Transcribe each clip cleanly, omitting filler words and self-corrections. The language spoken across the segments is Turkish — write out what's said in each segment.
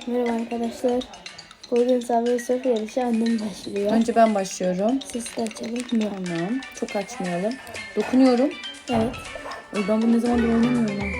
Merhaba arkadaşlar. Bugün Subway Surf yarışı annem başlıyor. Önce ben başlıyorum. Sesi de açalım. Tamam. Çok açmayalım. Dokunuyorum. Evet. Ben bunu ne zamandır oynamıyorum ha.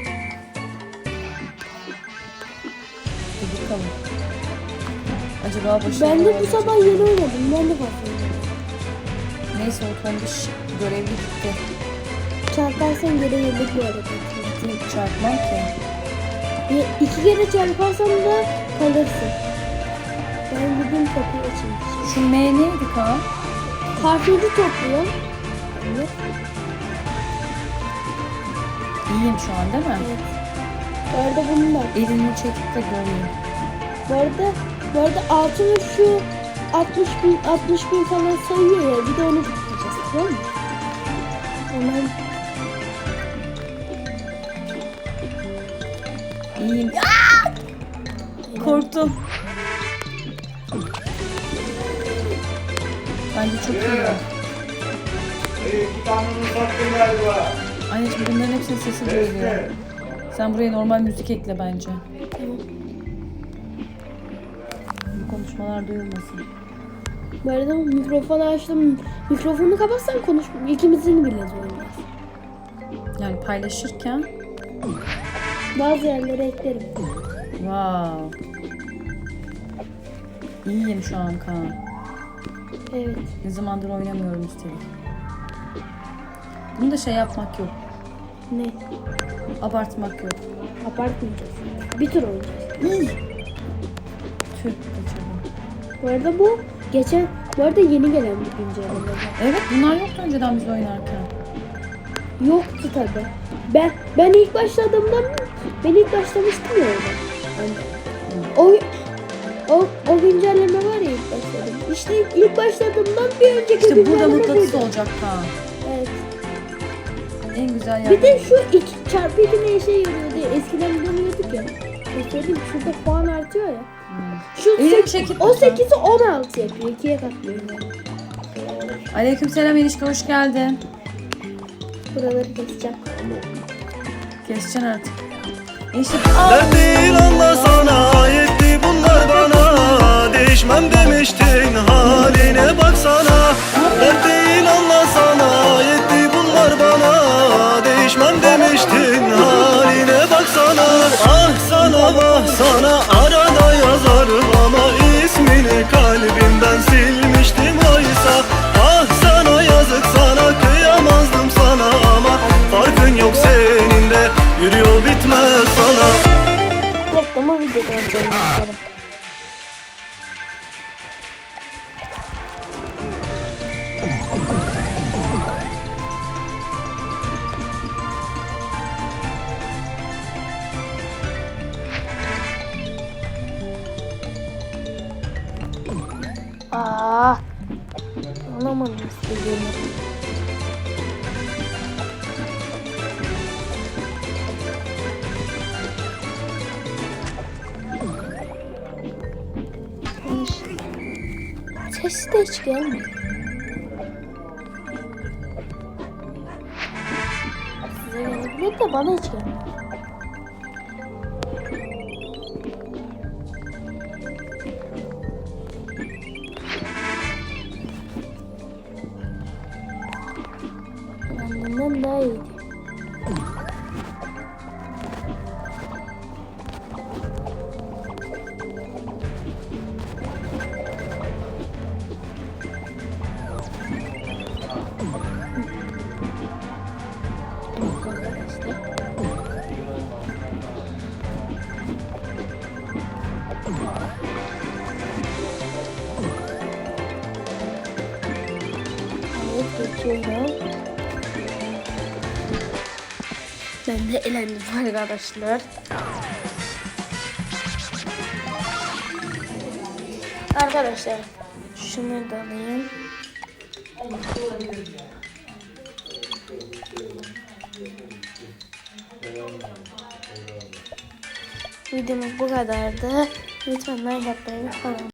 Dur bakalım. Acaba başarılı Ben de bu olacak sabah mı? yeni oynadım. Ben de başladım. Neyse o tombiş görevli gitti. Çarparsan geri yıllık bir hareket. Çarpmam ki. 2 kere çarparsan da kalırsın. Ben bugün kapıyı açayım. Şu M neydi Kaan? Harfleri topluyorum. Evet. İyiyim şu an değil mi? Evet. Bu arada bunun da. Elini çekip de göreyim. Bu arada altına şu 60 bin falan sayıyor ya. Bir de onu tutacağız. Tamam mı? Hemen. İyiyim. Korktum. Bence çok iyi. Anneciğim bunların hepsinin sesi duyuluyor. Sen buraya normal müzik ekle bence. Tamam. Bu konuşmalar duyulmasın. Bu arada mikrofonu açtım. Mikrofonu kapatsan konuş. İkimizin bile duyulmaz. Yani paylaşırken. Bazı yerlere eklerim. Wow. İyiyim şu an Kaan. Evet. Ne zamandır oynamıyorum üstelik. Bunu da şey yapmak yok. Ne? Abartmak yok. Abartmayacağız. Bir tur oynayacağız. Tüh kaçırdım. Bu arada bu arada yeni gelen bir güncelleme. Evet bunlar yoktu önceden biz oynarken. Yoktu tabi. Ben ilk başlamıştım ya orada. Yani o güncelleme var ya ilk başladım. İşte ilk başladığımdan bir önceki İşte burada güncelleme mıknatıs buydu. olacak Kaan. Evet. En güzel yer. Bir de şu 2x2 ne işe yarıyor diye eskiden bulamıyorduk ya. Söyleyeyim şurada puan artıyor ya. Şu Elini çekip o lütfen. 8'i 16 yapıyor. 2'ye katlıyor yani. Aleykümselam enişte hoş geldin. Buraları keseceğim. Keseceksin artık. Enişte Dert değil anlasana, yetti bunlar bana. Değişmem demiştin, haline baksana. Dert değil anlasana, yetti bunlar bana. Değişmem demiştin, haline baksana. Ah sana vah sana, arada yazarım ama ismini kalbimden silmiştim oysa. Ah sana yazık sana, kıyamazdım sana ama farkın yok senin de, yürüyor bitmez sana. Reklamı videodan sonra bakalım. Anlamadım istediğimi. Sesi de hiç gelmiyor. Size gelebilir de bana hiç gelmiyor. Benden daha iyiydi. Evet, geçiyorum. Ben de elendim arkadaşlar. Arkadaşlar şunu da alayım. Videomuz bu kadardı. Lütfen like atmayı unutmayın.